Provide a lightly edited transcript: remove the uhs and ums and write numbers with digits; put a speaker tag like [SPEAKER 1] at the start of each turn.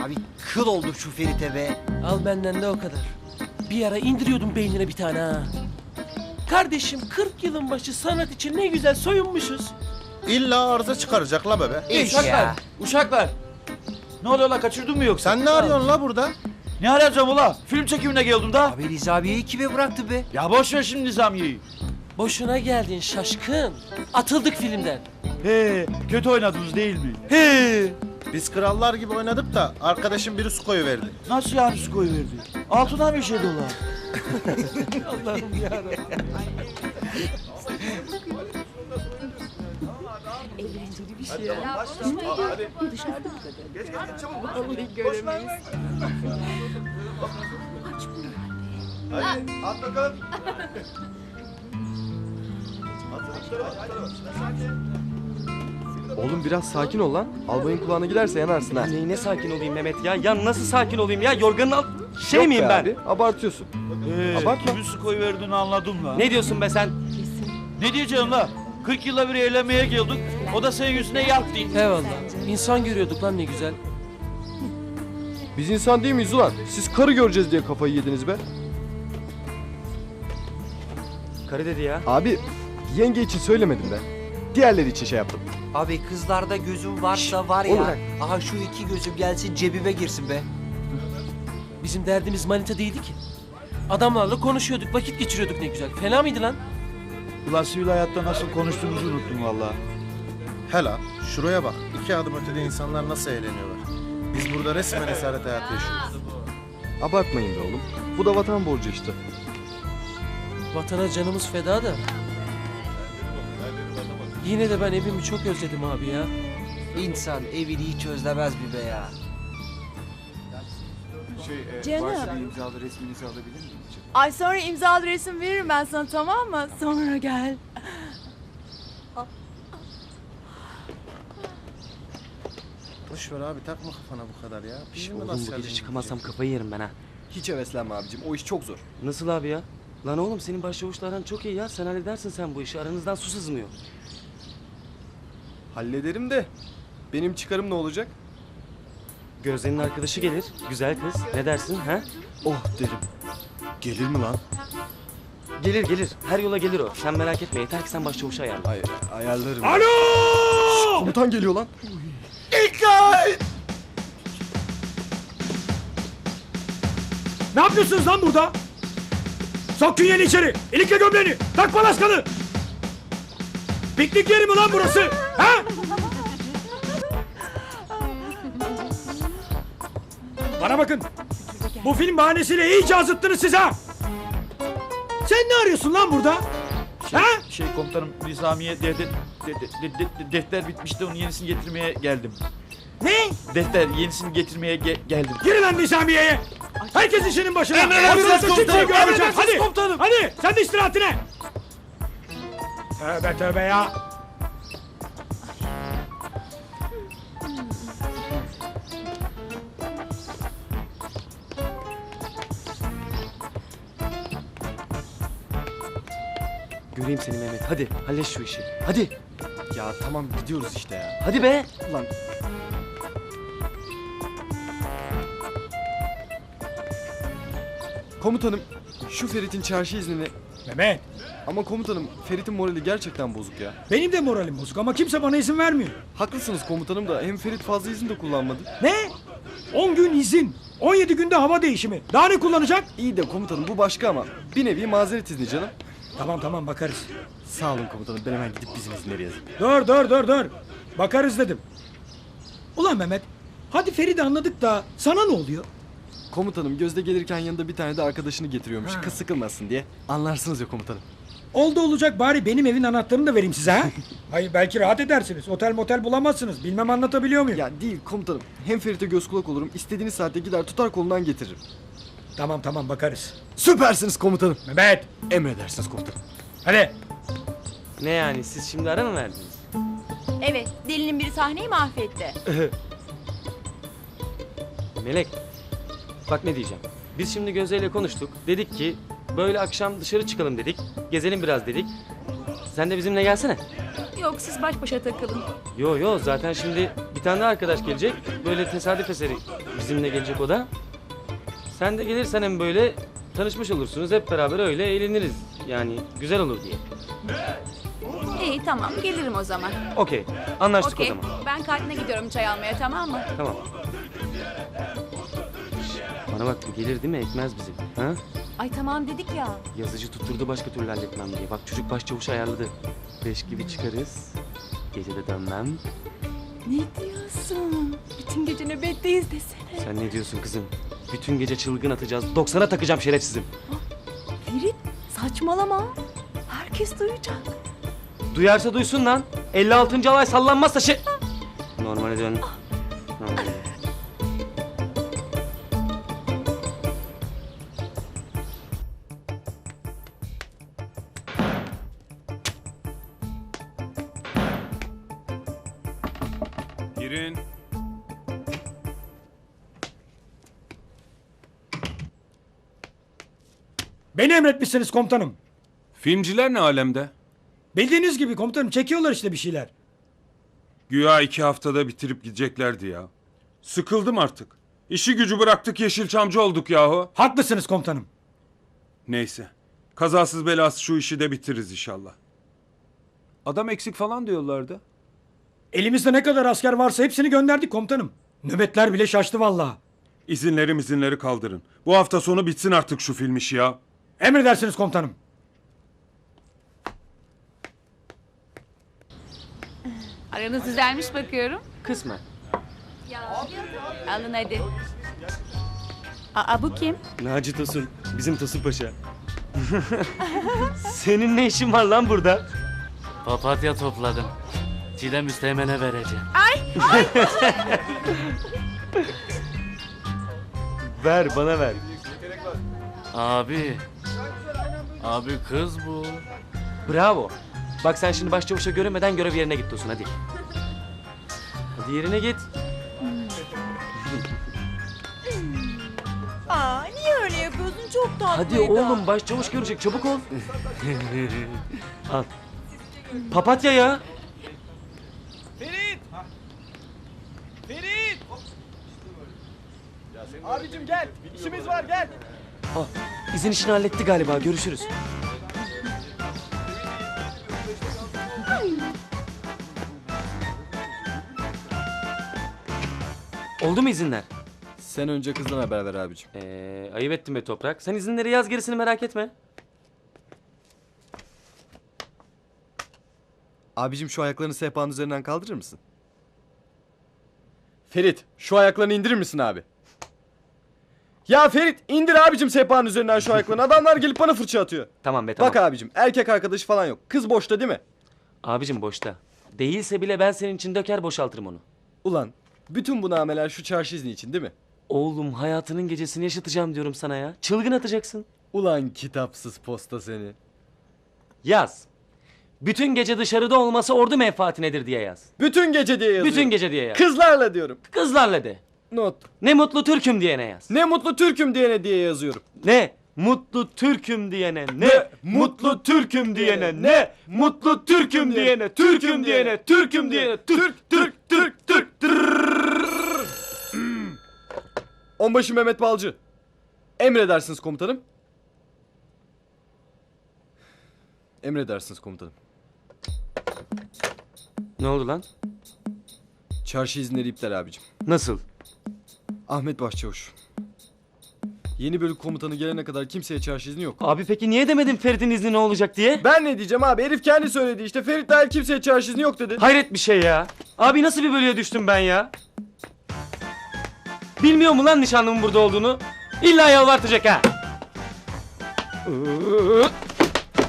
[SPEAKER 1] Abi kıl oldum şu Ferit'e be.
[SPEAKER 2] Al benden de o kadar. Bir ara indiriyordum beynine bir tane ha. Kardeşim 40 yılın başı sanat için ne güzel soyunmuşuz.
[SPEAKER 3] İlla arıza çıkaracak la bebe.
[SPEAKER 1] Ya.
[SPEAKER 4] Uşaklar. Ne oluyor la, kaçırdın mı yoksa?
[SPEAKER 3] Sen ne arıyorsun la burada?
[SPEAKER 4] Ne arayacağım ula? Film çekimine geldim da.
[SPEAKER 1] Abi Riza abiyi kime bıraktı be?
[SPEAKER 4] Ya boş ver şimdi Nizamiye'yi.
[SPEAKER 2] Boşuna geldin şaşkın. Atıldık filmden.
[SPEAKER 4] He, kötü oynadınız değil mi?
[SPEAKER 2] He.
[SPEAKER 3] Biz krallar gibi oynadık da arkadaşım biri su koyuverdi.
[SPEAKER 4] Nasıl yani su koyuverdi? Altına bir şey dolar.
[SPEAKER 2] Allah'ım yarabbim.
[SPEAKER 5] Eğlenceli bir şey ya. Dışarıda mı kadın? Vallahi göremeyiz. Aç bunu herhalde.
[SPEAKER 3] At bakalım.
[SPEAKER 6] Oğlum biraz sakin ol lan. Albayın kulağına giderse yanarsın ha.
[SPEAKER 7] Neyine sakin olayım Mehmet ya? Ya nasıl sakin olayım ya? Yorganın alt... Şey
[SPEAKER 6] Yok
[SPEAKER 7] miyim
[SPEAKER 6] be
[SPEAKER 7] ben?
[SPEAKER 6] abi, abartıyorsun. Abartma.
[SPEAKER 4] Kimin su koyuverdiğini anladım la.
[SPEAKER 7] Ne diyorsun be sen?
[SPEAKER 4] Ne diyeceğim la? 40 yılda bir eğlenmeye geldik. O da senin yüzüne yaktı.
[SPEAKER 2] Eyvallah. İnsan görüyorduk lan ne güzel.
[SPEAKER 6] Biz insan değil miyiz ulan? Siz karı göreceğiz diye kafayı yediniz be.
[SPEAKER 7] Karı dedi ya.
[SPEAKER 6] Abi yenge için söylemedim ben. Diğerleri için şey yaptım.
[SPEAKER 1] Abi kızlarda gözüm varsa var
[SPEAKER 6] oğlum
[SPEAKER 1] ya.
[SPEAKER 6] bırak.
[SPEAKER 1] Aha şu iki gözüm gelsin cebime girsin be.
[SPEAKER 2] Bizim derdimiz manita değildi ki. Adamlarla konuşuyorduk, vakit geçiriyorduk ne güzel. Fena mıydı lan?
[SPEAKER 4] Ulan sivil hayatta nasıl konuştuğumuzu unuttum valla.
[SPEAKER 3] Hela şuraya bak. 2 adım ötede insanlar nasıl eğleniyorlar. Biz burada resmen esaret hayatı yaşıyoruz.
[SPEAKER 6] Abartmayın be oğlum. Bu da vatan borcu işte.
[SPEAKER 2] Vatana canımız feda da. Yine de ben evimi çok özledim abi ya.
[SPEAKER 1] İnsan evini hiç özlemez mi be ya?
[SPEAKER 5] Canım. Ay sonra imzalı resim veririm ben sana, tamam mı? Sonra gel.
[SPEAKER 3] Boş ver abi takma kafana bu kadar ya. Şimdi
[SPEAKER 7] Oğlum
[SPEAKER 3] nasıl
[SPEAKER 7] bu gece
[SPEAKER 3] geldin
[SPEAKER 7] çıkamazsam kafayı yerim ben ha.
[SPEAKER 6] Hiç heveslenme abicim. O iş çok zor.
[SPEAKER 7] Nasıl abi ya? Lan oğlum senin başçavuşla aran çok iyi ya. Sen halledersin sen bu işi. Aranızdan su sızmıyor.
[SPEAKER 6] Hallederim de. Benim çıkarım ne olacak?
[SPEAKER 7] Gözde'nin arkadaşı gelir. Güzel kız. Ne dersin ha?
[SPEAKER 6] Oh derim. Gelir mi lan?
[SPEAKER 7] Gelir gelir. Her yola gelir o. Sen merak etme. Yeter ki sen başçavuşu ayarla.
[SPEAKER 6] Ay, ayarlarım.
[SPEAKER 4] Alo!
[SPEAKER 6] Komutan geliyor lan.
[SPEAKER 8] Ne yapıyorsunuz lan burada? Sok künyeni içeri. İlikle gömleğini. Tak palaskanı. Piknik yeri mi lan burası? Ha? Bana bakın. Bu film bahanesiyle iyice azıttınız siz ha. Sen ne arıyorsun lan burada? Ha?
[SPEAKER 4] Şey komutanım, Nizamiye defter bitmişti, onun yenisini getirmeye geldim.
[SPEAKER 8] Ne?
[SPEAKER 4] Defter yenisini getirmeye geldim.
[SPEAKER 8] Girin lan Nizamiye'ye. Herkes işinin başına.
[SPEAKER 4] Emredersiniz
[SPEAKER 8] Ortalıkta kimseyi
[SPEAKER 4] komutanım,
[SPEAKER 8] görmeyeceğim.
[SPEAKER 4] emredersiniz
[SPEAKER 8] Hadi.
[SPEAKER 4] komutanım.
[SPEAKER 8] Hadi sen de istirahatine. Tövbe tövbe ya.
[SPEAKER 7] Göreyim seni Mehmet. Hadi hallet şu işi. Hadi.
[SPEAKER 6] Ya tamam gidiyoruz işte ya.
[SPEAKER 7] Hadi be.
[SPEAKER 6] Ulan komutanım şu Ferit'in çarşı iznini...
[SPEAKER 8] Mehmet.
[SPEAKER 6] Ama komutanım Ferit'in morali gerçekten bozuk ya.
[SPEAKER 8] Benim de moralim bozuk ama kimse bana izin vermiyor.
[SPEAKER 6] Haklısınız komutanım da hem Ferit fazla izin de kullanmadı.
[SPEAKER 8] Ne? 10 gün izin. 17 günde hava değişimi. Daha ne kullanacak?
[SPEAKER 6] İyi de komutanım bu başka ama bir nevi mazeret izni canım.
[SPEAKER 8] Tamam bakarız.
[SPEAKER 6] Sağ olun komutanım ben hemen gidip bizim izinleri yazayım.
[SPEAKER 8] Dur. Bakarız dedim. Ulan Mehmet. Hadi Feride anladık da sana ne oluyor?
[SPEAKER 6] Komutanım Gözde gelirken yanında bir tane de arkadaşını getiriyormuş. Kız sıkılmasın diye. Anlarsınız ya komutanım.
[SPEAKER 8] Oldu olacak bari benim evin anahtarını da vereyim size ha. Hayır belki rahat edersiniz. Otel motel bulamazsınız. Bilmem anlatabiliyor muyum?
[SPEAKER 6] Ya değil komutanım. Hem Ferit'e göz kulak olurum. İstediğiniz saatte gider tutar kolundan getiririm.
[SPEAKER 8] Tamam bakarız.
[SPEAKER 6] Süpersiniz komutanım.
[SPEAKER 8] Mehmet.
[SPEAKER 6] Emredersiniz komutanım.
[SPEAKER 8] Hadi.
[SPEAKER 7] Ne yani siz şimdi ara mı verdiniz?
[SPEAKER 5] Evet, delinin biri sahneyi mahvetti.
[SPEAKER 7] Melek. Bak ne diyeceğim. Biz şimdi Gözde ile konuştuk. Dedik ki böyle akşam dışarı çıkalım dedik. Gezelim biraz dedik. Sen de bizimle gelsene.
[SPEAKER 5] Yok, siz baş başa takılın.
[SPEAKER 7] Yo zaten şimdi bir Bir tane daha arkadaş gelecek. Böyle tesadüf eseri bizimle gelecek o da. Sen de gelirsen hem böyle tanışmış olursunuz. Hep beraber öyle eğleniriz. Yani güzel olur diye.
[SPEAKER 5] İyi tamam gelirim o zaman.
[SPEAKER 7] Okey. Anlaştık o
[SPEAKER 5] Okey.
[SPEAKER 7] zaman.
[SPEAKER 5] Ben kantine gidiyorum çay almaya tamam mı?
[SPEAKER 7] Tamam. Bana bak bu gelir değil mi? Ekmez bizi. Ha?
[SPEAKER 5] Ay tamam dedik ya.
[SPEAKER 7] Yazıcı tutturdu başka türlü halletmem diye. Bak çocuk başçavuş ayarladı. 5 gibi çıkarız. Gece de dönmem.
[SPEAKER 5] Ne diyorsun? Bütün gece nöbetteyiz desene.
[SPEAKER 7] Sen ne diyorsun kızım? Bütün gece çılgın atacağız. 90'a takacağım şerefsizim.
[SPEAKER 5] Ferit saçmalama. Herkes duyacak.
[SPEAKER 7] Duyarsa duysun lan. 56. alay sallanmazsa Normale dön. Normale.
[SPEAKER 9] Girin.
[SPEAKER 8] Beni emretmişsiniz komutanım.
[SPEAKER 9] Filmciler ne alemde?
[SPEAKER 8] Bildiğiniz gibi komutanım çekiyorlar işte bir şeyler.
[SPEAKER 9] Güya 2 haftada bitirip gideceklerdi ya. Sıkıldım artık. İşi gücü bıraktık Yeşilçamcı olduk yahu.
[SPEAKER 8] Haklısınız komutanım.
[SPEAKER 9] Neyse. Kazasız belasız şu işi de bitiririz inşallah. Adam eksik falan diyorlardı.
[SPEAKER 8] Elimizde ne kadar asker varsa hepsini gönderdik komutanım. Nöbetler bile şaştı vallahi.
[SPEAKER 9] İzinleri kaldırın. Bu hafta sonu bitsin artık şu film işi ya.
[SPEAKER 8] Emredersiniz komutanım.
[SPEAKER 5] Aranız düzelmiş bakıyorum.
[SPEAKER 7] Kısmen.
[SPEAKER 5] Alın hadi. Aa bu kim?
[SPEAKER 7] Naci Tosun. Bizim Tosun Paşa. Senin ne işin var lan burada?
[SPEAKER 10] Papatya topladım. Çiğdem Üsteğmen'e vereceğim.
[SPEAKER 7] Ver bana ver.
[SPEAKER 10] Abi. Abi kız bu.
[SPEAKER 7] Bravo. Bak sen şimdi başçavuşa görünmeden görev yerine git Tosun hadi. Hadi yerine git.
[SPEAKER 5] Aa niye öyle yapıyorsun? Çok tatlıydı.
[SPEAKER 7] Hadi oğlum başçavuş görecek çabuk ol. Al. Papatya ya.
[SPEAKER 6] Abicim gel. İşimiz var gel.
[SPEAKER 7] Al. İzin işini halletti galiba görüşürüz. Oldu mu izinler?
[SPEAKER 6] Sen önce kızdan haber ver abicim.
[SPEAKER 7] Ayıp ettin be Toprak. Sen izinleri yaz gerisini merak etme.
[SPEAKER 6] Abicim şu ayaklarını sehpanın üzerinden kaldırır mısın? Ferit şu ayaklarını indirir misin abi? Ya Ferit indir abicim sehpanın üzerinden şu ayaklarını. Adamlar gelip bana fırça atıyor.
[SPEAKER 7] Tamam be tamam.
[SPEAKER 6] Bak abicim erkek arkadaşı falan yok. Kız boşta değil mi?
[SPEAKER 7] Abicim boşta. Değilse bile ben senin için döker boşaltırım onu.
[SPEAKER 6] Ulan bütün bu nameler şu çarşı izni için değil mi?
[SPEAKER 7] Oğlum hayatının gecesini yaşatacağım diyorum sana ya. Çılgın atacaksın.
[SPEAKER 6] Ulan kitapsız posta seni.
[SPEAKER 7] Yaz. Bütün gece dışarıda olması ordu menfaatinedir diye yaz.
[SPEAKER 6] Bütün gece diye yazıyorum.
[SPEAKER 7] Bütün gece diye yaz.
[SPEAKER 6] Kızlarla diyorum.
[SPEAKER 7] Kızlarla de.
[SPEAKER 6] Not.
[SPEAKER 7] Ne mutlu Türk'üm diyene yaz.
[SPEAKER 6] Ne mutlu Türk'üm diyene diye yazıyorum.
[SPEAKER 7] Ne mutlu Türk'üm diyene. Ne mutlu Türk'üm diyene. Ne mutlu Türk'üm diyene. Türk'üm diyene. Türk'üm diyene. Türk.
[SPEAKER 6] Onbaşı Mehmet Balcı. Emredersiniz komutanım. Emredersiniz komutanım.
[SPEAKER 7] Ne oldu lan?
[SPEAKER 6] Çarşı izinleri iptal abicim.
[SPEAKER 7] Nasıl?
[SPEAKER 6] Ahmet Başçavuş. Yeni bölük komutanı gelene kadar kimseye çarşı izni yok.
[SPEAKER 7] Abi peki niye demedin Ferit'in izni ne olacak diye?
[SPEAKER 6] Ben ne diyeceğim abi? Herif kendi söyledi işte. Ferit dahil kimseye çarşı izni yok dedi.
[SPEAKER 7] Hayret bir şey ya. Abi nasıl bir bölüye düştüm ben ya? Bilmiyor mu lan nişanlımın burada olduğunu? İlla yalvartacak ha.